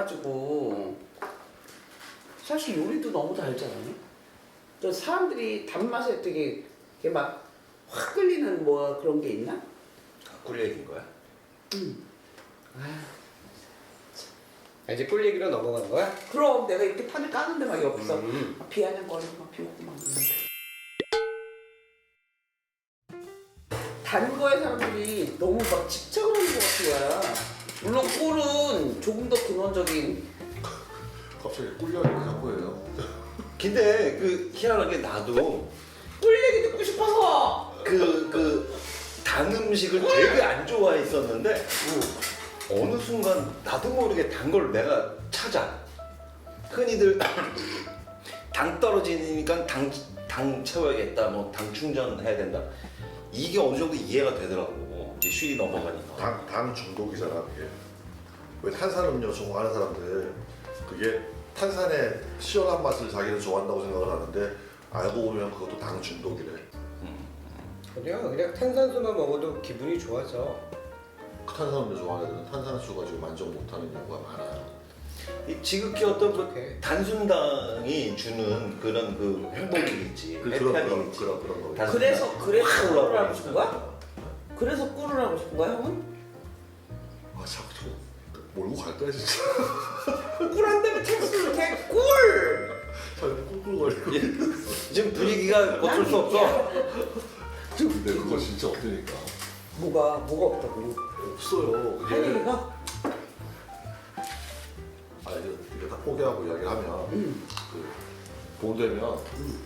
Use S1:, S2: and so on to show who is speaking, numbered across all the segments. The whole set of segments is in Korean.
S1: 달아가지고 사실 요리도 너무 달지 않아요? 또 사람들이 단맛에 되게 이렇게 막 확 끌리는 뭐 그런 게 있나?
S2: 꿀 얘기인 거야?
S3: 이제 꿀 얘기로 넘어가는 거야?
S1: 그럼 내가 이렇게 판을 까는데 막 옆에서 막 비아냥거리고 막 비웃고 막 이러는데 단 거에 사람들이 너무 막 집착을 하는 것 같은 거야. 물론 꿀은 조금 더 근원적인
S4: 갑자기 꿀 이야기를 자꾸 해요.
S2: 근데 그 희한하게 나도
S1: 꿀 얘기 듣고 싶어서
S2: 단 음식을 되게 안 좋아했었는데 어느 순간 나도 모르게 단 걸 내가 찾아. 흔히들 당 떨어지니까 당 채워야겠다, 뭐 당 충전해야 된다. 이게 어느 정도 이해가 되더라고. 이제 쉴이 넘어가니까.
S4: 당 중독이잖아 그게. 왜 탄산음료 좋아하는 사람들 그게 탄산의 시원한 맛을 자기는 좋아한다고 생각을 하는데 알고 보면 그것도 당 중독이래.
S3: 그냥 탄산수만 먹어도 기분이 좋아져.
S4: 탄산음료 좋아하는 애들은 탄산수 가지고 만족 못하는 경우가 많아요.
S2: 이 지극히 어떤 그
S3: 오케이.
S2: 단순당이 주는 그런 그 행복이 있지.
S4: 그런
S2: 있지.
S4: 거.
S2: 단순당.
S1: 그래서
S2: 확
S1: 꿀을
S2: 올라오니까.
S1: 하고 싶은 거야? 그래서 꿀을 하고 싶은 거야 형은?
S4: 아 자꾸 저 몰고 갈 거야 진짜.
S1: 꿀 한 다음에 text를 이렇게 꿀!
S4: 자꾸 꿀꿀거리고.
S2: 지금 분위기가 어쩔 수 없어.
S4: 근데 그거 진짜 없으니까.
S1: 뭐가 없다고?
S4: 없어요.
S1: 할
S4: 그게
S1: 얘기가?
S4: 아 이게 다 포기하고 이야기를 하면 그 봄 되면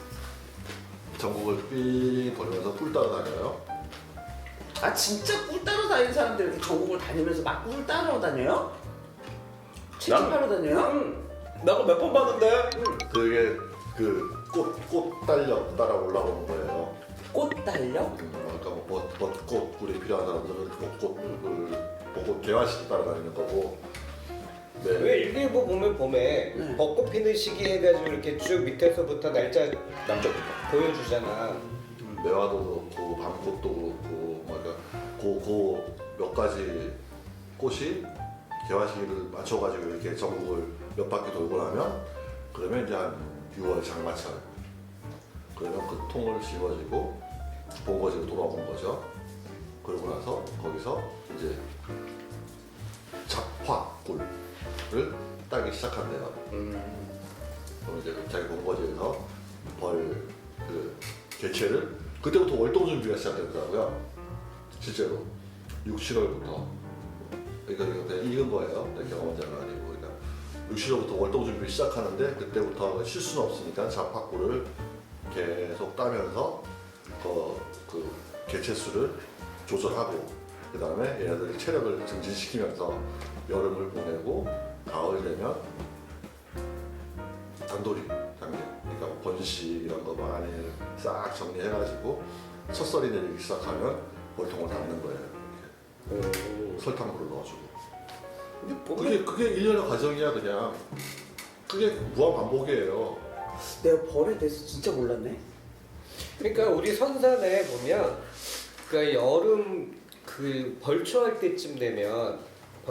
S4: 전국을 삥 돌면서 꿀 따라다녀요.
S1: 아 진짜 꿀 따러 다니는 사람들 이렇게 전국을 다니면서 막 꿀 따러 다녀요? 채집하러 다녀요?
S2: 나도 몇 번 봤는데.
S4: 그게 그 꽃 달려 따라 올라오는 거예요.
S1: 꽃 달려?
S4: 그러니까 뭐 벚꽃 꿀이 필요한 사람들은 벚꽃을 보고 개화식 따라다니는 거고. 네.
S3: 왜 일기예보 보면 봄에
S1: 네.
S3: 벚꽃 피는 시기 해가지고 이렇게 쭉 밑에서부터 날짜
S2: 남쪽부터.
S3: 보여주잖아.
S4: 매화도 그렇고 밤꽃도 그렇고 그러니까 몇 가지 꽃이 개화시기를 맞춰가지고 이렇게 전국을 몇 바퀴 돌고 나면 그러면 이제 한 6월 장마철 그러면 그 통을 씌워지고 본거지로 돌아오는 거죠. 그러고 나서 거기서 이제 잡화꿀을 따기 시작한대요. 그럼 이제 자기 본거지에서 그 개체를 그때부터 월동 준비가 시작되더라고요. 실제로 6, 7월부터 그러니까 그냥 익은 거예요. 경험자는 아니고 그러니까 6, 7월부터 월동 준비 시작하는데 그때부터 실수는 없으니까 잡화꿀을 계속 따면서 그 개체 수를 조절하고 그 다음에 얘네들 체력을 증진시키면서 여름을 보내고 가을 되면 단돌이 단계 그러니까 번식 이런 거 많이 싹 정리해가지고 첫설이 내리기 시작하면 월통을 닫는 거예요. 이렇게. 설탕물을 넣어주고 그게 1년의 과정이야 그냥. 그게 무한 반복이에요.
S1: 내가 벌에 대해서 진짜 몰랐네.
S3: 그러니까 우리 선산에 보면 그 여름 그 벌초할 때쯤 되면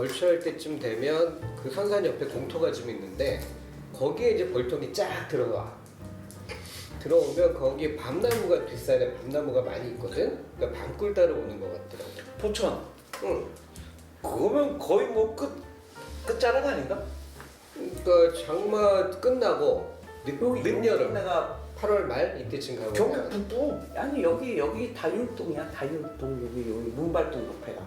S3: 그 선산 옆에 공터가 좀 있는데 거기에 이제 벌통이 쫙 들어오면 거기에 밤나무가 뒷산에 밤나무가 많이 있거든. 그러니까 밤꿀 따러 오는 것 같더라고.
S2: 포천.
S3: 응.
S2: 그거면 거의 뭐 끝자락 아닌가?
S3: 그러니까 장마 끝나고 늦여름
S1: 내가
S3: 8월 말 이때쯤 가면
S2: 경북 북부.
S1: 아니 여기 다율동이야. 다율동 여기 문발동 옆에가.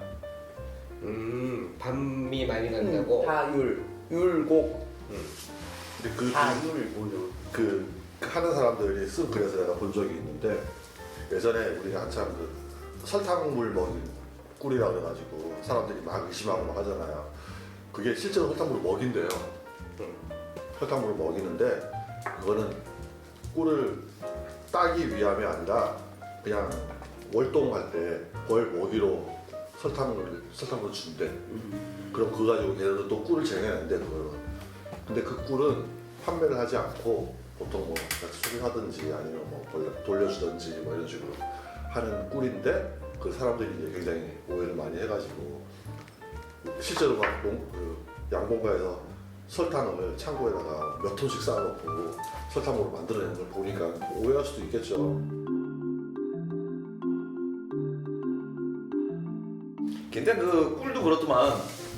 S3: 밤이 많이 난다고.
S1: 다율 율곡
S4: 근데 그
S1: 다율
S4: 하는 사람들이 쓴 글에서 내가 본 적이 있는데 예전에 우리가 한참 그 설탕물 먹인 꿀이라 그래가지고 사람들이 막 의심하고 막 하잖아요. 그게 실제로 설탕물을 먹인대요. 설탕물을 먹이는데 그거는 꿀을 따기 위함이 아니라 그냥 월동할 때 벌 먹이로 설탕물을 준대. 그럼 그거 가지고 걔네들은 또 꿀을 쟁여낸대 그거는. 근데 그 꿀은 판매를 하지 않고 보통 뭐 수리하든지 아니면 뭐 돌려주든지 뭐 이런 식으로 하는 꿀인데 그 사람들이 이제 굉장히 오해를 많이 해가지고 실제로 막 그 양봉가에서 설탕을 창고에다가 몇 톤씩 쌓아놓고 설탕으로 만들어내는 걸 보니까 오해할 수도 있겠죠.
S2: 근데 그 꿀도 그렇지만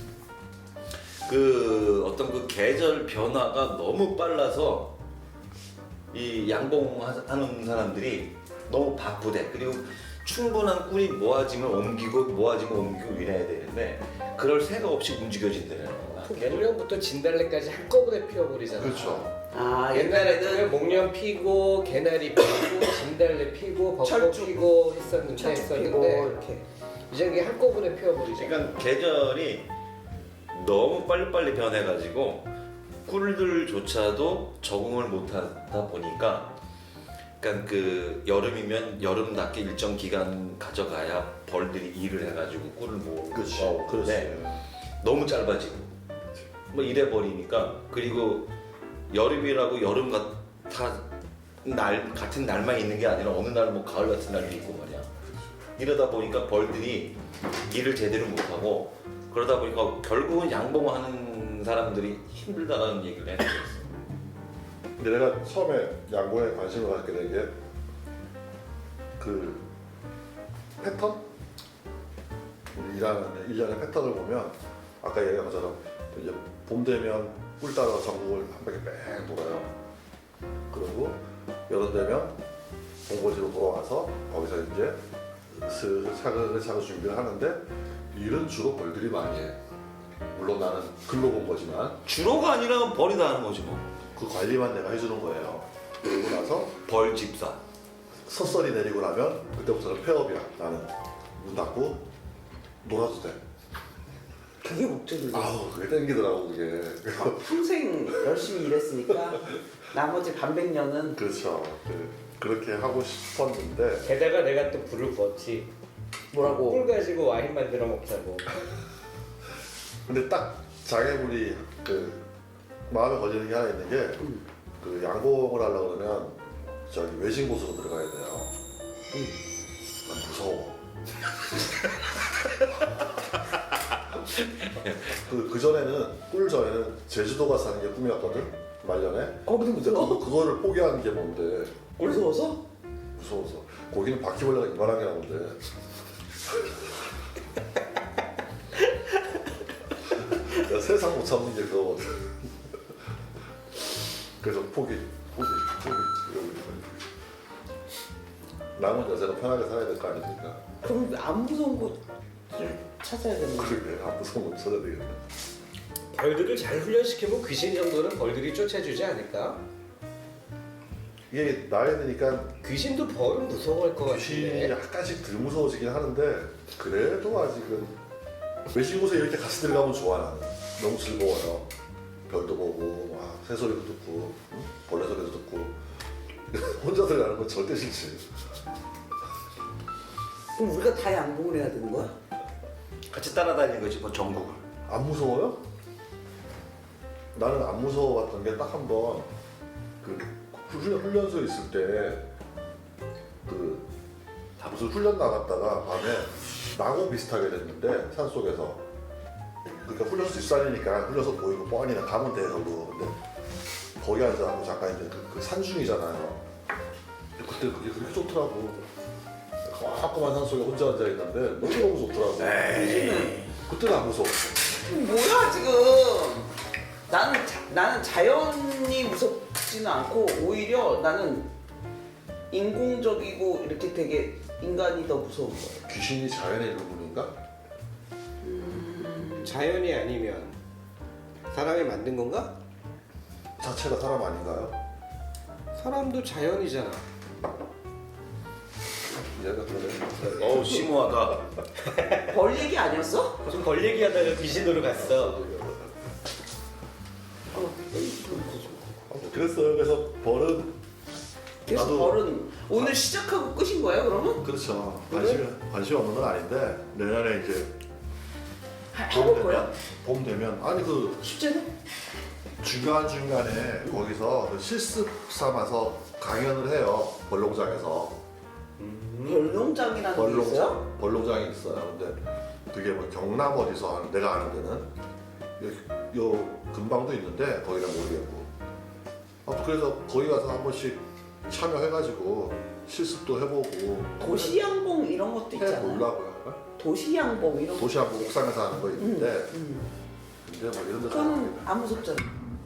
S2: 그 어떤 그 계절 변화가 너무 빨라서 이 양봉하는 사람들이 너무 바쁘대. 그리고 충분한 꿀이 모아지면 옮기고 이래야 되는데 그럴 새가 없이 움직여진다는 거야.
S3: 목련부터 진달래까지 한꺼번에 피워버리잖아.
S4: 그렇죠.
S1: 아
S3: 옛날에는
S1: 옛날에는
S3: 목련 피고 개나리 피고 진달래 피고 벚꽃
S1: 철쭉.
S3: 피고 했었는데
S1: 철쭉 피고 이렇게.
S3: 이제 이게 한꺼번에 피워버리잖아.
S2: 그러니까 계절이 너무 빨리빨리 변해가지고 꿀들조차도 적응을 못하다 보니까 그러니까 그 여름이면 여름답게 일정 기간 가져가야 벌들이 일을 해가지고 꿀을
S4: 그렇지.
S2: 모으는데 너무 짧아지고 뭐 이래 버리니까 그리고 여름이라고 여름 같은 날만 있는 게 아니라 어느 날 뭐 가을 같은 날도 있고 말이야. 이러다 보니까 벌들이 일을 제대로 못하고 그러다 보니까 결국은 양봉하는 사람들이 힘들다라는 얘기를 했었어.
S4: 근데 내가 처음에 양봉에 관심을 갖게 된 게 그 패턴? 우리 일하는 일련의 패턴을 보면 아까 얘기한 것처럼 이제 봄 되면 꿀 따라 전국을 한 바퀴 뺑 돌아요. 그리고 여름 되면 본거지로 돌아와서 거기서 이제 슬슬 차근차근 준비를 하는데 일은 주로 벌들이 많이 해. 물론 나는 글로 본 거지만
S2: 주로가 아니라 벌이 다 하는 거지 뭐.
S4: 그 관리만 내가 해주는 거예요. 그러고 나서
S2: 벌 집사.
S4: 서설이 내리고 나면 그때부터는 폐업이야. 나는 문 닫고 놀아도 돼.
S1: 그게 목적이에요.
S4: 아우 그게 땡기더라고 그게.
S1: 평생 열심히 일했으니까 나머지 반백년은
S4: 그렇죠. 그렇게 하고 싶었는데
S3: 게다가 내가 또 불을 껐지.
S1: 뭐라고?
S3: 꿀 가지고 와인 만들어 먹자고.
S4: 근데 딱 장애물이 그 마음에 걸리는 게 하나 있는 게 그 양봉을 하려고 그러면 저기 외진 곳으로 들어가야 돼요. 난 무서워. 그 전에는 꿀 전에는 제주도 가서 사는 게 꿈이었거든 말년에.
S1: 거기도
S4: 근데
S1: 무서워?
S4: 그거를 포기하는 게 뭔데?
S1: 무서워서?
S4: 무서워서. 거기는 바퀴벌레가 이만한 게 나오는데. 나 세상 못 참는 게 그거거든. 그래서 포기. 이러고 있는 거지. 남은 여자가 편하게 살아야 될 거 아닙니까?
S1: 그럼 안 무서운 곳을 찾아야겠네.
S4: 그러게 안 무서운 거 찾아야 되겠네.
S3: 벌들을 잘 훈련시키면 귀신 정도는 벌들이 쫓아주지 않을까?
S4: 이게 나이 드니까
S3: 귀신도 벌은 무서워할 것
S4: 귀신이
S3: 같은데.
S4: 약간씩 덜 무서워지긴 하는데 그래도 아직은 외진 곳에 이렇게 같이 들어가면 좋아 나는. 너무 즐거워요. 별도 보고 막 새소리도 듣고 응? 벌레 소리도 듣고 혼자 들어가는 건 절대 싫지.
S1: 그럼 우리가 다 양봉을 해야 되는 거야?
S2: 같이 따라다니는 거지 뭐 전국을.
S4: 안 무서워요? 나는 안 무서워봤던 게 딱 한 번 그 훈련소에 있을 때 그 무슨 훈련 나갔다가 밤에 낙원 비슷하게 됐는데 산 속에서 그러니까 훈련소 뒷산이니까 훈련소 보이고 뻔히 가면 돼 저도. 근데 거기 앉아갖고 잠깐 이제 그 산중이잖아요. 근데 그때 그게 그렇게 좋더라고. 꽉꽉한 산 속에 혼자 앉아 있는데 너무 좋더라고. 그때는 안 무서웠어.
S1: 뭐야 지금? 나는 자연이 무섭지는 않고 오히려 나는 인공적이고 이렇게 되게 인간이 더 무서운 거야.
S4: 귀신이 자연의 일부분인가?
S3: 자연이 아니면 사람이 만든 건가?
S4: 자체가 사람 아닌가요?
S3: 사람도 자연이잖아.
S4: 얘가 그러네.
S2: 어우 심오하다.
S1: 벌 얘기 아니었어?
S3: 지금 벌 얘기하다가 귀신으로 갔어.
S4: 그랬어요. 그래서 벌은
S1: 그래서
S4: 나도-
S1: 벌은 오늘 시작하고 끝인 거예요 그러면?
S4: 그렇죠. 관심 없는 건 아닌데 내년에 이제
S1: 해볼 거야?
S4: 봄 되면 아니 그
S1: 숙제는?
S4: 중간 중간에 거기서 그 실습 삼아서 강연을 해요. 벌농장에서
S1: 별농장이라는 게 있어요?
S4: 벌농장이 있어요. 근데 그게 뭐 경남 어디서 하는 내가 아는 데는 요 근방도 있는데 거기는 모르겠고. 아무튼 그래서 거기 가서 한 번씩 참여해가지고 실습도 해보고
S1: 도시양봉 이런 것도 있잖아.
S4: 해보려고요.
S1: 도시양봉 이런 거.
S4: 도시하고 옥상에서 하는 거 있는데 근데 뭐 이런 데서
S1: 그건 안 무섭잖아.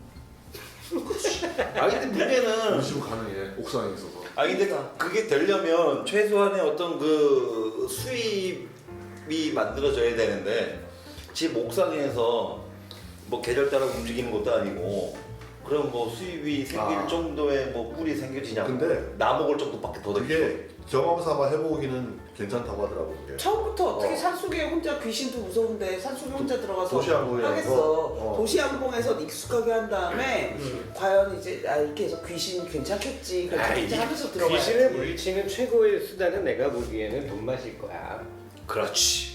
S2: 아니 근데 문제는
S4: 의심 가능해. 옥상에 있어서.
S2: 아니 근데 그게 되려면 최소한의 어떤 그 수입이 만들어져야 되는데 집 옥상에서 뭐 계절 따라 움직이는 것도 아니고 그럼 뭐 수입이 생길 정도의 뭐 꿀이 생겨지냐?
S4: 근데
S2: 나 먹을 정도밖에 더
S4: 그게 경험 삼아 해보기는 괜찮다고 하더라고 그게.
S1: 처음부터 어떻게 산속에 혼자 귀신도 무서운데 산속에 혼자 들어가서
S4: 도시양봉에서,
S1: 하겠어. 도시양봉에서 익숙하게 한 다음에 과연 이제 이렇게 해서 귀신 괜찮겠지 괜찮겠지 하면서 들어가야지.
S3: 귀신을 물리치는 최고의 수단은 내가 보기에는 돈맛일 거야.
S2: 그렇지.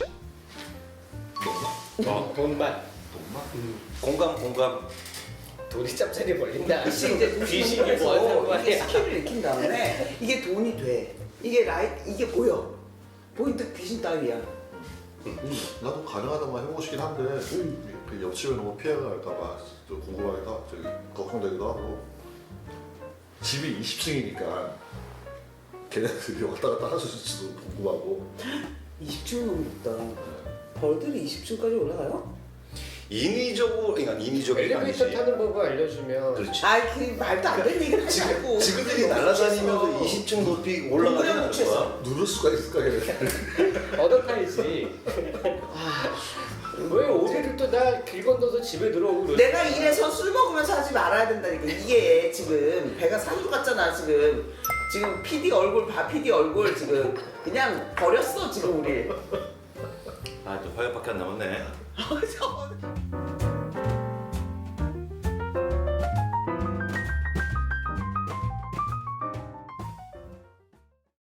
S3: 돈맛.
S2: 공감.
S3: 돈이 짭짤이 벌린다.
S1: 혹시 이제
S3: 귀신이 뭐 하는
S1: 이게
S3: 거야?
S1: 스킬을 익힌 다음에 이게 돈이 돼. 이게 이게 보여. 보이는데 귀신 따위야.
S4: 나도 가능하다면 해보고 싶긴 한데 그 옆집에 너무 피해가 갈까봐 좀 궁금하기도 저기 걱정되기도 하고. 집이 20층이니까 걔네들이 왔다 갔다 할 수 있을지도 궁금하고.
S1: 20층 너무 높다. 벌들이 20층까지 올라가요?
S2: 인위적으로 그러니까 인위적인
S3: 엘리베이터 타는 법을 알려주면
S2: 그렇지.
S1: 아이 그 말도 안 되는 얘기를 하지 말고.
S2: 지그들이 날아다니면서 20층 높이 올라가는 거야.
S4: 누를 수가 있을까 걔네.
S3: 얻어타야지. 왜 오늘을 또 나 길 건너서 집에 들어오고 그러지?
S1: 내가 이래서 술 먹으면서 하지 말아야 된다니까. 이게 지금 배가 산소 같잖아 지금. 지금 PD 얼굴 봐 PD 얼굴 지금 그냥 버렸어 지금 우리.
S2: 아, 저 화요밖에 안 남았네.
S1: 어,